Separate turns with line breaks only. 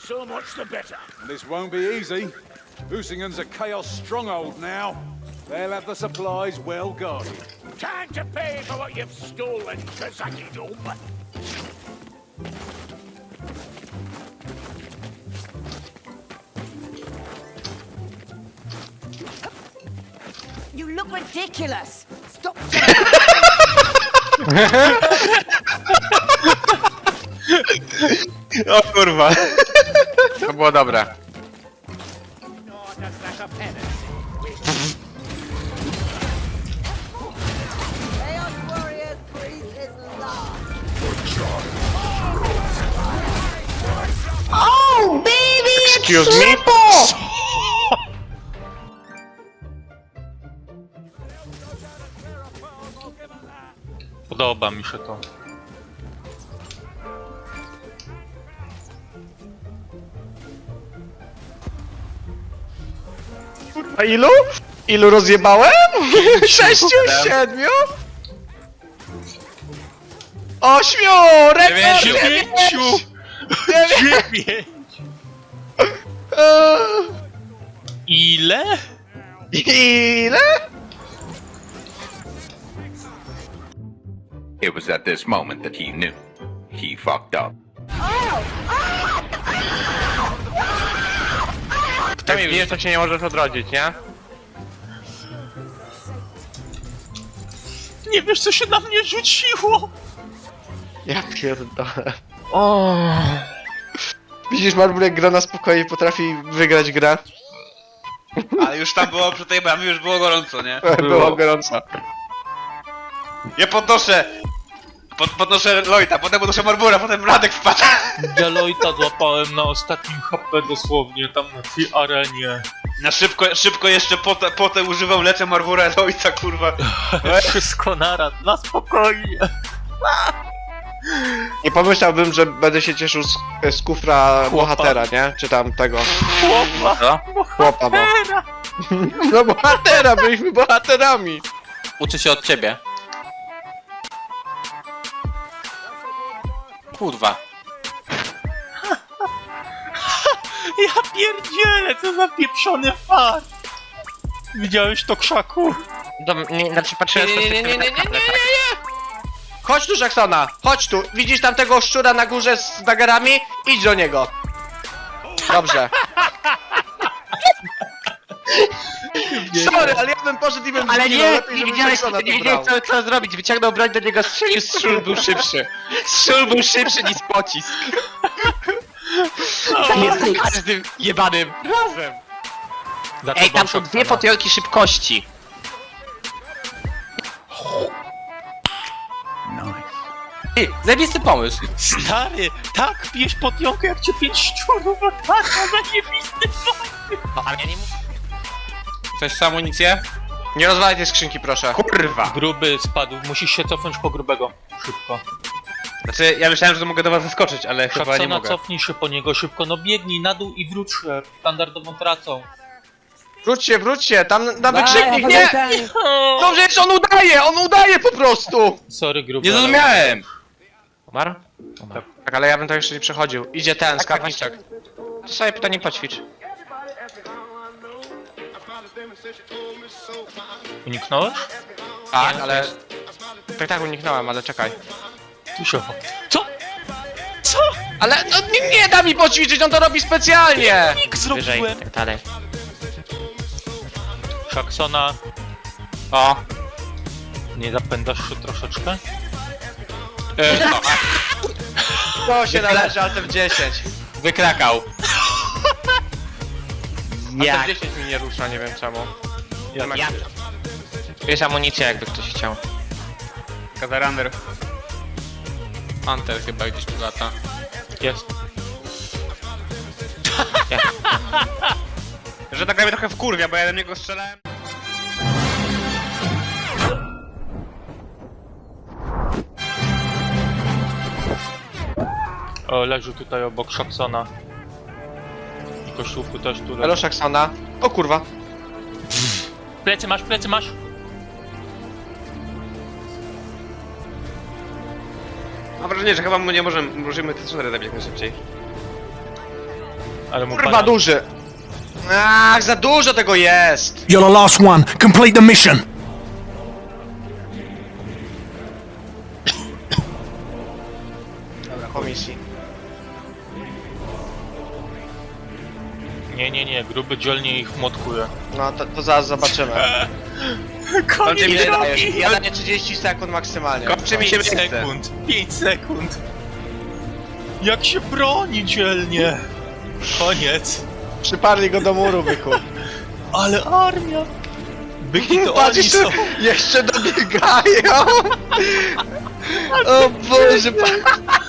So much the better.
This won't be easy. Usingen's a chaos stronghold now. They'll have the supplies well guarded.
Time to pay for what you've stolen, Kazaki Dome.
You look ridiculous. Stop.
O kurwa. To było dobre.
Chaos Warriors Priest is lost. Oh, baby,
Excuse me?
Podoba mi się to.
A ilu? Ilu rozjebałem? 6, 7? 8! Rekord!
9! 9! Ile?
Ile?
It was at this moment that he knew. He fucked up.
Kto mi wie, to się nie możesz odrodzić, nie?
Nie wiesz, co się na mnie rzuciło!
Ja pierdolę. O. Widzisz, Marburek gra na spokojnie, potrafi wygrać grę.
Ale już tam było, przy tej bramie już było gorąco, nie?
Było gorąco.
Ja podnoszę! Podnoszę Lloyda, potem podnoszę Marbura, potem Radek wpadł.
Deloita złapałem na ostatnim HP dosłownie, tam na tej arenie.
Na szybko jeszcze potę używam, leczę Marbura, Lloyda, kurwa.
Wszystko naraz, na spokojnie.
Nie pomyślałbym, że będę się cieszył z kufra bohatera, nie? Czy tam tego.
Chłopa!
Chłopa, no. No bohatera, byliśmy bohaterami.
Uczy się od ciebie. Kurwa.
Ja pierdzielę, co za pieprzony fart! Widziałeś to, krzaku?
Znaczy patrzyłem z perspektywy. Nie. Chodź tu, Jacksona! Chodź tu! Widzisz tam tego szczura na górze z dagerami? Idź do niego! Dobrze. Sorry, ale ja bym poszedł i bym
Ale
zginął,
nie,
lepiej,
nie
żeby
widziałeś,
Jacksona
nie
to
wiedziałeś
brał.
co zrobić. Wyciągnął broń do niego, strzelił, strzał był szybszy. Strzał był szybszy niż pocisk. Tak jest z każdym jebanym razem. Ej, tam są dwie potiorki szybkości.
Ty, zajebisty pomysł.
Stary, tak pijesz potionkę jak cię 5 szczurów, a tak, zajebisty pomysł!
No, ale ja nie mówię.
Chcesz amunicję?
Nie rozwalaj tej skrzynki, proszę.
Kurwa!
Gruby spadł, musisz się cofnąć po grubego. Szybko.
Znaczy, ja myślałem, że mogę do was zaskoczyć, ale chyba nie
Szaksona,
mogę.
cofnij się po niego szybko, no biegnij na dół i wróć się standardową tracą.
Wróćcie, tam na wykrzyknik, nie! No przecież on udaje po prostu!
Sorry, gruby.
Nie
ale-
zrozumiałem!
Umarł? Tak, ale ja bym to jeszcze nie przechodził. Idzie ten, skarbniczek. To sobie pytanie poćwicz.
Uniknąłeś?
Tak, ale... Tak, uniknąłem, ale czekaj.
Tu się... Co? Co?
Ale no, nie da mi poćwiczyć, on to robi specjalnie!
Nick
Wyżej,
zrobiłem!
tak dalej.
Szaksona,
O,
nie zapędasz się troszeczkę?
to się należy, ale w 10.
Wykrakał.
A
Jak?
to 10 mi nie rusza, nie wiem czemu.
Ja. Jest amunicja, jakby ktoś chciał.
Kazarander.
Hunter chyba gdzieś tu lata.
Jest.
Że tak mnie trochę wkurwia, bo ja do niego strzelałem.
O, leży tutaj obok Szaksona. I koszulku też tu leży.
Elo, Szaksona. O kurwa.
Plecy masz, plecy masz!
Mam wrażenie, że chyba my nie możemy te strzelać zabić jak najszybciej.
Ale mu
Kurwa
pana-
duży. Ach, za dużo tego jest.
You're the last one. Complete the mission.
Dobra, komisji.
Nie, gruby dzielnie ich motkuje.
No to zaraz zobaczymy.
Koniec
Ile
drogi!
dajesz? Ja daję 30 sekund maksymalnie.
Kończy mi się
5
miejsce.
sekund, 5 sekund. Jak się broni dzielnie. Koniec.
Przyparli go do muru, byku.
Ale armia. Byki to
Patrz,
oni są.
jeszcze dobiegają. O Boże,